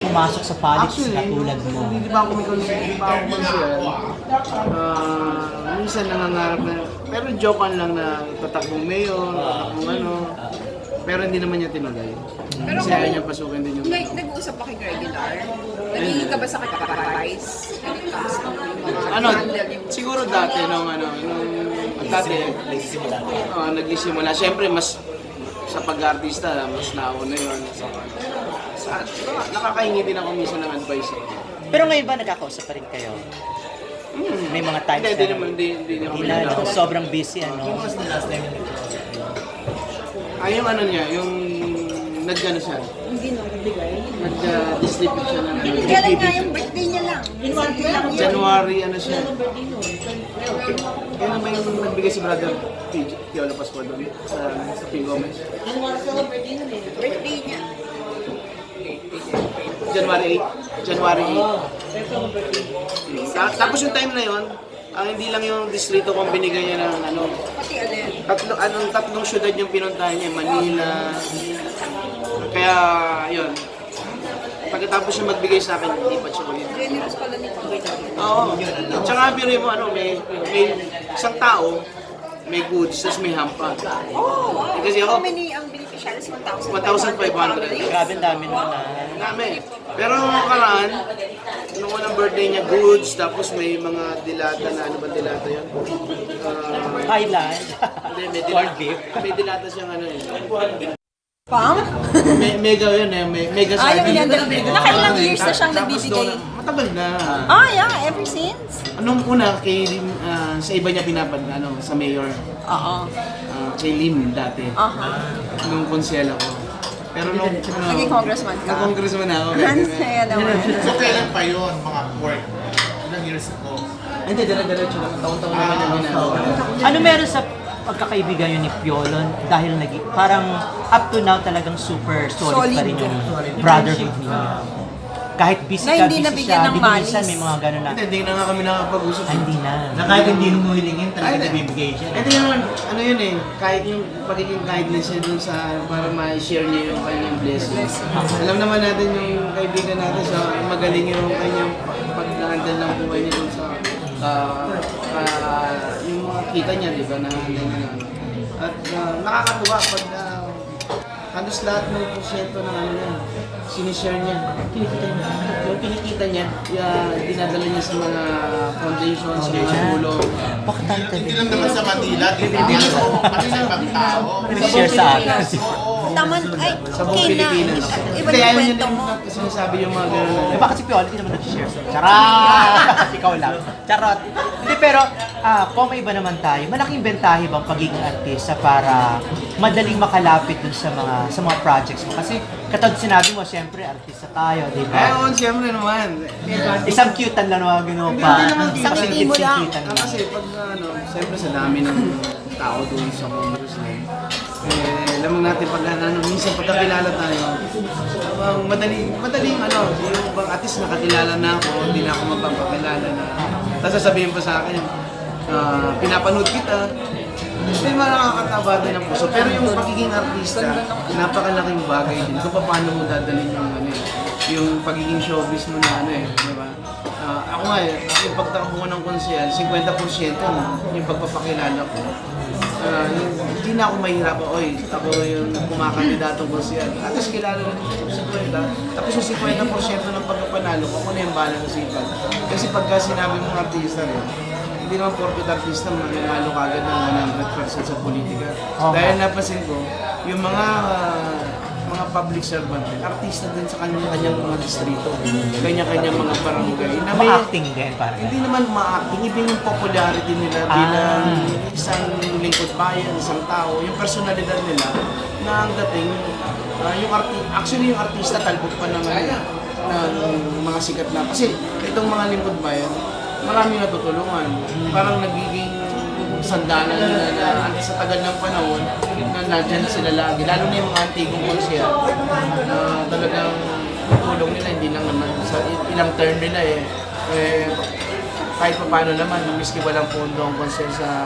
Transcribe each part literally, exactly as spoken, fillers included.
pumasok sa politics Actually, katulad mo? hindi di ba ako may konsyel, hindi ba ako konsyel, ah, minsan nangangarap na, pero jokean lang na tatakbong mayor, tatakbong ano, pero hindi naman niya tinagay. Pero Kasi ayaw niya pasukin din yung... Nag- nag-uusap pa kay regular? Nagiging ka ba sa kaka-price? When it comes to yung mga Ano, handle yung... siguro dati nung ano, nung dati, uh, nagsisimula. Siyempre, mas sa pag-artista, mas nauna yun. So, sa, nakakahingi din ako minsan ng advice. Pero ngayon ba nagkakausap pa rin kayo? Hmm. May mga times Hindi, hindi na naman, hindi, hindi naman. Hindi na, no? Sobrang busy, ano? Ah, yung ano niya, yung nag-ano siya, Hindi no, nagbigay. nag-distribute siya ng ano, Kailan nga yung birthday niya lang? Recently lang yun. January, ano siya. Kaya naman yung nagbigay si brother P- Piolo Pascual doon sa, sa P. Gomez. Birthday niya. January eight. January eight. Ta- tapos yung time na yon, ang hindi lang yung distrito kung binigay niya ng ano, Pati alin. tatlo, anong tatlong syudad yung pinuntahan niya, Manila. Kaya, yun. Pagkatapos siya magbigay sa akin, hindi pa siya ulit. Generous pala ni Panginoon. Oo. Tsaka biro mo, ano, may, may isang tao, may goods, tapos may hampa. Oh, wow. Eh, kasi ako- How many ang beneficiaries? one thousand one thousand five hundred. Grabe, ang dami nun na. Dami. Pero nung nakaraan, nung unang birthday niya, goods, tapos may mga dilata na, ano ba dilata yun? Uh, Thailand. hindi, may Corned dilata, beef. may dilata siyang ano eh. Pam? Me- mega yun eh, me- mega Ah, yung sardine. yan. Nakailang years na siyang Tapos nagbibigay. doon, matagal na. Ah, yeah. Ever since? Anong una, kay, ah, sa iba niya pinapad, ano, sa mayor, Oo. ah, kay Lim dati, Aha. nung konsyel ako. Pero nung, ano, Naging congressman ka? nung congressman ako. Ang saya naman. So kailan pa yun, mga work? Ilang years ago? Hindi, dala-diretso lang. Taon-taon naman yung ginagawa. Ano meron sa pagkakaibigan yun ni Piolon dahil nag parang up to now talagang super solid, Solid. pa rin yung brotherhood niya. Kahit busy Na ka, hindi busy nabigyan siya, ng di ba minsan malis. may mga gano'n na, Hindi, hindi na nga kami nakapag-usap. ah, hindi na. Na kahit hindi humuhilingin, talaga Ay, nabibigay siya. Ito yun, ano yun eh, kahit yung pagiging kindness niya dun sa, para ma-share niya yung kanyang blessings. Alam naman natin yung kaibigan natin sa magaling yung kanyang pag-handle ng buhay niya dun sa, ah, ah, yung mga kita niya, di ba, na handle niya. At ah, nakakatuwa pag ah, halos lahat ng porsyento ng ano niya, sinishare niya, kinikita niya. Yung kinikita niya, yeah, dinadala niya sa mga foundation, sa mga tulong. Pakatante Hindi din. lang naman sa Manila, hindi so, pati sa ibang tao. Share sa akin. Taman, ay, Sa buong okay na. Pilipinas. Iba Kaya yung yun kwento yung mo. sinasabi yung mga gano'n na. Eh, bakit si Piolo hindi naman nag-share sa Charot! Ikaw lang. Charot. Hindi, pero ah, kung may iba naman tayo, malaking bentahe bang pagiging artista para madaling makalapit dun sa mga sa mga projects mo? Kasi katulad sinabi mo, siyempre, artista tayo, di Eh, ba? oo, siyempre naman. Isang cute lang naman ginawa Hindi pa. naman Isang Kasi ngiti mo lang. cute-cute Ah, kasi pag ano, siyempre sa dami ng tao doon sa Congressman, eh, alam mo natin pag ano, minsan pagkakilala tayo, um, madaling, madaling ano, yung bang at least nakakilala na ako, hindi na ako magpapakilala na. Tapos sasabihin pa sa akin, ah, pinapanood kita, may mga nakakataba din ang puso. Pero yung pagiging artista, napakalaking bagay din. Kung paano mo dadalhin yung ano eh, yung pagiging showbiz mo na ano eh, di ba? Ah, ako nga eh, yung pagtakbo ko ng konsehal, fifty percent yung pagpapakilala ko. Ah, yung, hindi na ako mahirap, oy, ako yung kumakandidatong konsehal. At least kilala rin yung fifty. Tapos yung fifty percent ng pagkapanalo ko, ako na yung bahala ng sipag. Kasi pagka sinabi mong artista rin, hindi naman porket artista mananalo ka agad ng one hundred percent sa politika. Okay. Dahil napansin ko, yung mga ah, mga public servant, artista din sa kanya-kanyang mga distrito, kanya-kanyang mga barangay. Na may, Ma-acting din, parang. hindi naman ma-acting, even yung popularity nila Ah. bilang isang lingkod bayan, isang tao, yung personalidad nila, na ang dating, ah, yung arti actually yung artista talbot pa ng, ng mga sikat na. Kasi itong mga lingkod bayan, marami natutulungan. Parang nagiging sandalan nila na antes sa tagal ng panahon na nandyan na sila lagi. Lalo na yung mga antigong konsyal na talagang tulong nila, hindi lang naman sa ilang term nila eh. eh kahit pa paano naman, miski walang pondo ang konsyal sa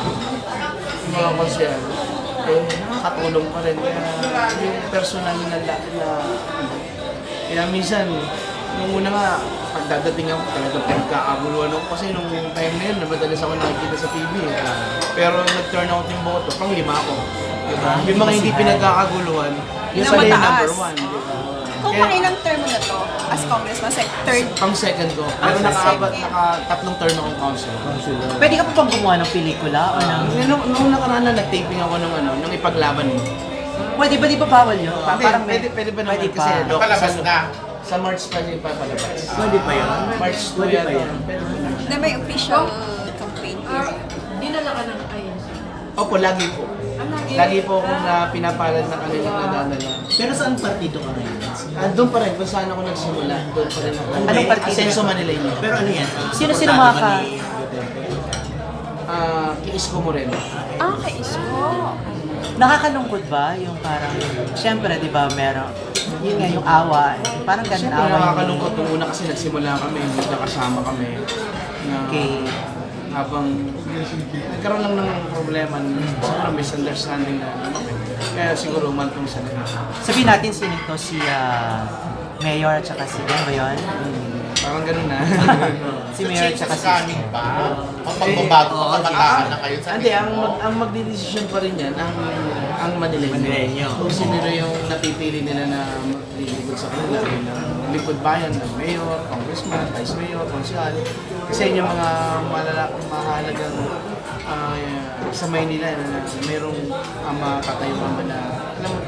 mga konsyal, eh nakakatulong pa rin. Kaya yung personal na, na, na Kaya minsan, nung una nga, pagdadating ako, talagang pinagkakaguluhan ako kasi nung time na yun, madalas ako nakikita sa T V. Eh. Pero nag-turn out yung boto, pang lima ako. Diba? Yung mga hindi pinagkakaguluhan, yun Yung pala yung mataas. number one. Diba? Kung Kaya- pangilang term mo na to, as congressman, sa third, Pang second ko. Pero sa nakaabat, second. naka tatlong term akong council. Pwede ka pa bang gumawa ng pelikula o ng... Nung, nung nakaraan na nag-taping ako ng ano, ng ipaglaban mo. Pwede ba, di ba bawal yun? Pa- Hindi, parang may- pwede, pwede ba naman Pwede kasi pa. Doc, Napalabas sa, na. sa March pa siya ipapalabas. Pwede pa yun? March two Pwede yata. pa yan. Pwede pa. na may official campaign period. Dinala ka ng ayun. Opo, lagi po. Lagi po akong na pinapalad na kanilang nadadala. Pero saan partido ka ngayon? Ah, doon pa rin, kung saan ako nagsimula, doon pa rin ako. Anong partido? Asenso Manileño. Pero ano yan? Sino-sino Suportado mga ba ka- ni Duterte? Ah, Isko Moreno. Ah, kay Isko. Nakakalungkot ba yung parang, siyempre, di ba, meron, yun nga, yung awa, eh, parang ganun Siyempre awa yung- nakakalungkot nung una kasi nagsimula kami, nagkakasama kami. Na Okay. habang nagkaroon lang ng problema, siguro misunderstanding na ano kami. Kaya siguro umantong sa nila. Sabihin natin sino to, si ah, Mayor at saka si, ano ba yun? Parang ganun na. Si Mayor at saka si... Coming ba? Ang pagbabago, Oo, pagkataan na kayo sa Hindi, ang, mismo. mag, ang magdidesisyon pa rin yan, ang, ang Manileño. Manileño. Kung sino yung napipili nila na maglilingkod sa kanila, yung lingkod bayan ng mayor, congressman, vice mayor, konsyal. Kasi yun yung mga malala, mahalagang ah, sa Maynila na, na merong uh, makatayuan na, alam mo,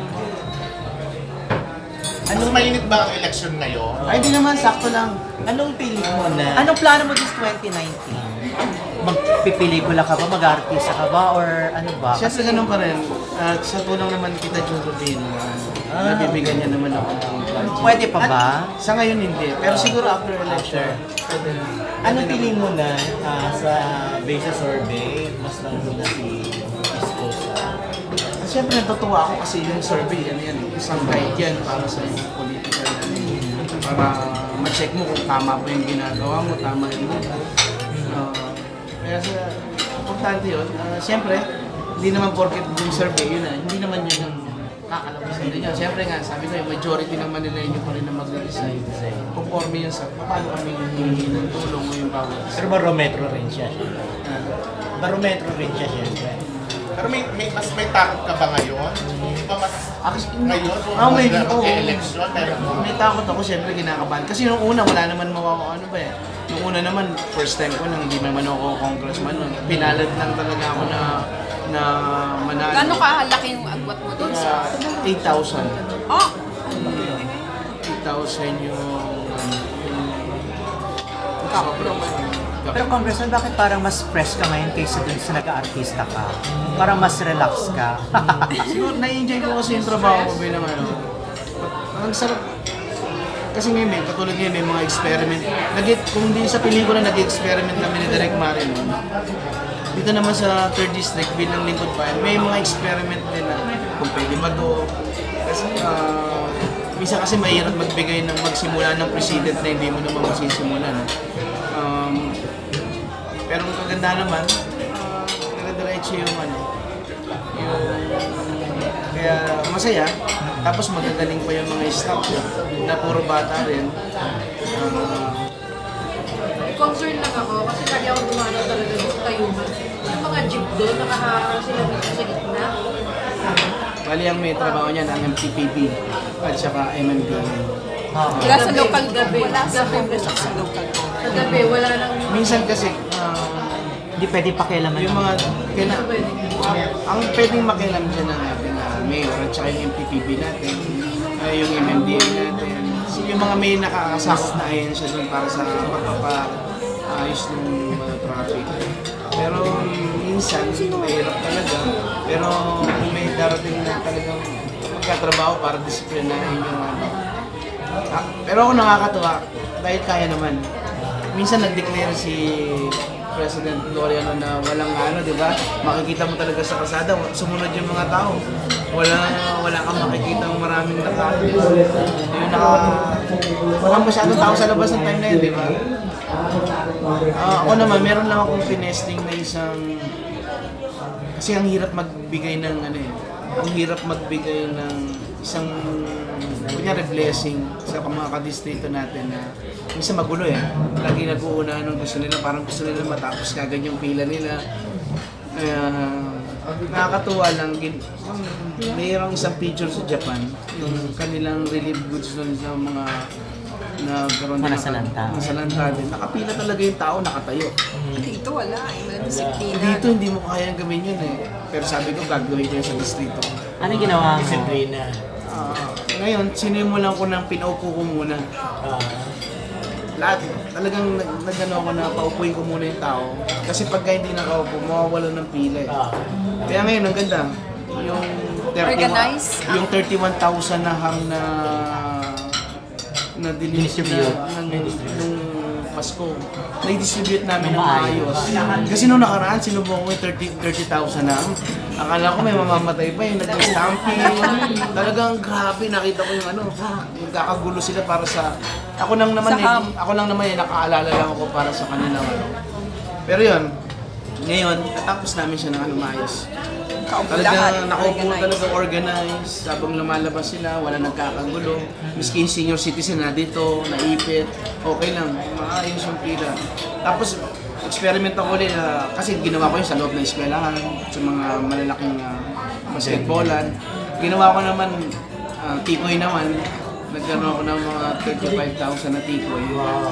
Mas mainit ba ang election ngayon? ay di naman, sakto lang. Anong pilit mo na? Anong plano mo this twenty nineteen? Magpipelikula ka ba? Mag-artista ka ba? Or ano ba? Siyempre ganun pa rin. At sa tulong naman kita, Jun Rubino, uh, nabibigyan niya naman ako ng project. Pwede pa ba? Sa ngayon hindi, pero siguro after election, pwede na. Anong tingin mo na ah, sa base sa survey, mas nandun na si Isko sa... Siyempre natutuwa ako kasi yung survey, ano yan, isang guide yan para sa yung political ano, para ma-check mo kung tama pa yung ginagawa mo, tama yung move. Uh, kaya sa, importante yun. Uh, Siyempre, hindi naman porket yung survey yun na, hindi naman yun ang kakalabasan din yun. Siyempre nga, sabi ko yung majority ng Manileño pa rin na mag-decide. Conforme yun sa paano kami hihingi ng tulong o yung bawat. Pero barometro rin siya. Uh, Barometro rin siya, syempre. Pero may, may mas may takot ka ba ngayon? Di ba mas Actually, ngayon? Ah, may- oo. election meron May takot ako, siyempre kinakabahan. Kasi nung una, wala naman mawawa ano ba eh. Nung una naman, first time ko nang hindi naman ako congressman nun. Pinalad lang talaga ako na na manalo. Gano'ng kahalaki yung agwat mo doon sa... Uh, eight thousand. Oh! eight thousand yung... yung Kapro. Pero Congressman, bakit parang mas fresh ka ngayon kaysa dun sa nag-aartista ka? Parang mas relax ka. Siguro, na-enjoy ko kasi yung trabaho ko bilang ano. Ang sarap. Kasi ngayon, may, katulad ngayon, may mga experiment. Nag kung di sa pelikula, nag-experiment kami ni Direk Marin. Dito naman sa third District, bilang lingkod pa, may mga experiment din na kung pwede ba to. Kasi, uh, minsan kasi mahirap magbigay ng magsimula ng president na hindi mo naman masisimulan. Um, pero ang kaganda naman, uh, nagadiretso yung ano, yung, kaya masaya. Tapos magagaling pa yung mga staff na puro bata rin. Uh, Concern lang ako kasi lagi ako dumadaw talaga sa tayuman. Yung mga jeep doon, nakaharang sila dito sa gitna. bali ang may trabaho niyan, ang M T P B at saka M M D. Wala sa local Gabi. Wala sa Gabi. congress sa local Sa gabi, wala nang... Minsan kasi, uh, Hindi pwede pakialaman. yung mga, kina, ang pwedeng makialam dyan ng ating uh, mayor at saka yung M T P B natin, uh, yung M M D A natin, yung mga may nakakasakot na ahensya doon para sa pagpapaayos ng mga traffic. Pero minsan, mahirap talaga. Pero kung may darating na talagang magkatrabaho para disiplinahin yung ano. Ah, pero ako nakakatuwa dahil kaya naman. Minsan nag-declare si President Gloriano na walang ano, di ba? Makikita mo talaga sa kalsada, sumunod yung mga tao. Wala wala kang makikita ng maraming nakano. Yung naka walang masyadong tao sa labas ng time na yun, di ba? Ah, ako naman, meron lang akong pinesting na isang kasi ang hirap magbigay ng ano eh. Ang hirap magbigay ng isang kunyari blessing sa mga kadistrito natin na minsan magulo eh. Lagi nag-uuna nung gusto nila, parang gusto nila matapos kagad yung pila nila. Kaya nakakatuwa lang, gin- mayroong isang picture sa Japan, yung kanilang relief goods doon sa mga nagkaroon Mga din nasalanta. ng- nasalanta din. Nakapila talaga yung tao, nakatayo. Dito wala eh. Wala disiplina. Dito hindi mo kayang gawin yun eh. Pero sabi ko, gagawin ko yun sa distrito. Ano yung ginawa mo? Disiplina. Ah, ngayon, sinimulan ko ng pinaupo ko muna. Ah, Lahat, talagang nag- nagano ako na paupuin ko muna yung tao. Kasi pagka hindi nakaupo, mawawala ng pila eh. ah. Kaya ngayon, ang ganda. Yung Organize? yung thirty-one thousand na ham na na Distribute. na, ng, nung Pasko. Na-distribute namin ng Ng maayos. Kasi nung nakaraan, sinubukan ko yung thirty thousand na ham. Akala ko may mamamatay pa yung nag-stamping. Talagang grabe, nakita ko yung ano, nagkakagulo sila para sa... Ako lang naman, Sa eh, ham. ako lang naman eh, nakaalala lang ako para sa kanila. Ano. Pero yun, ngayon, natapos namin siya ng ano maayos. Kaupo lahat. Talagang nakaupo Organize. talaga organized, habang lumalabas sila, wala nagkakagulo. Miski yung senior citizen na dito, naipit, okay lang, maayos yung pila. Tapos, experiment ako ulit, ah, kasi ginawa ko yun sa loob ng eskwelahan, sa mga malalaking uh, basketballan. Ginawa ko naman, uh, tikoy naman, nagkaroon ako ng mga thirty-five thousand na tikoy.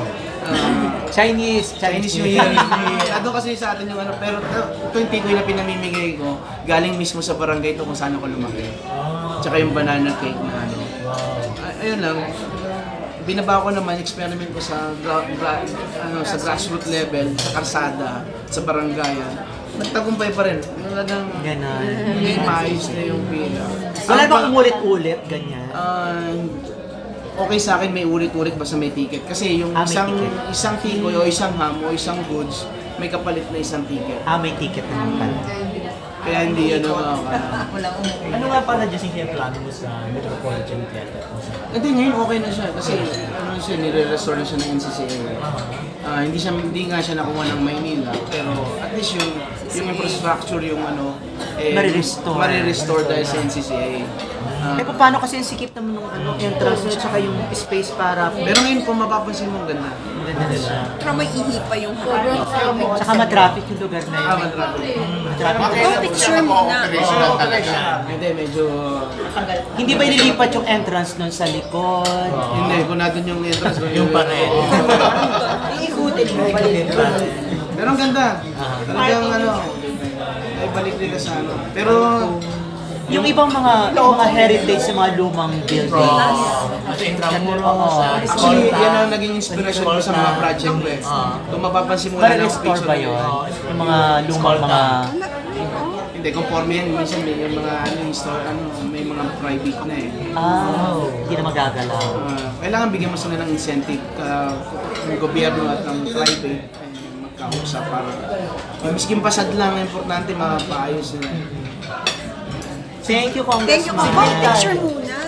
Ah, Chinese, Chinese New Year. Ado kasi sa atin yung ano, pero ito yung tikoy na pinamimigay ko, galing mismo sa barangay ito kung saan ako lumaki. Tsaka yung banana cake na ano. Ay- ayun lang, binaba ko naman, experiment ko sa gra- gra- ano, sa grassroots level, sa karsada, sa barangayan. Nagtagumpay pa rin. Talagang Ganon. hindi maayos na yung pila. Wala Ang bang pa- umulit-ulit, ganyan? Ah, okay sa akin may ulit-ulit basta may ticket. Kasi yung Ah, may isang ticket. isang tikoy o isang ham o isang goods, may kapalit na isang ticket. Ah, may ticket naman pala. Kaya hindi ano uh, Ano nga pala Justin yung plano mo sa Metropolitan Theater? Hindi, ngayon okay na siya kasi ano siya, nire-restore na siya ng N C C A. Ah, hindi siya hindi nga siya nakuha ng Maynila, pero at least yung yung infrastructure yung ano eh Marirestore. marirestore dahil sa N C C A. Ah, Eh, paano kasi yung sikip naman ng ano, entrance at saka yung space para... pero ngayon kung mapapansin mo ang ganda. Ganda na siya. Pero may ihi pa yung Sobrang traffic. Saka matraffic yung lugar na Ah, yun. matraffic. Matraffic. Go picture muna. Operational talaga. Hindi, medyo Hindi ba ililipat yung entrance nun sa likod? hindi kung natin yung entrance Yung pa rin. Iikutin mo. Pero ang ganda. Talagang ano, ay balik nila sa ano. Pero Yung ibang mga mga heritage sa mga lumang buildings. Sa Intramuros, sa actually, Escolta. yan ang naging inspiration ko sa mga project ko eh. Kung mapapansin mo na ng Para-restore picture ba na yun? yun. Yung mga lumang mga... Hindi, conforme yan. Minsan may yung mga ano, yung store, ano, may mga private na eh. Ah, hindi na magagalaw. Ah, kailangan bigyan mo sila ng incentive ka ng gobyerno at ng private eh, magkausap para yung miskin pasad lang, importante mapaayos nila. Thank you, Congressman. Thank you. Go picture muna.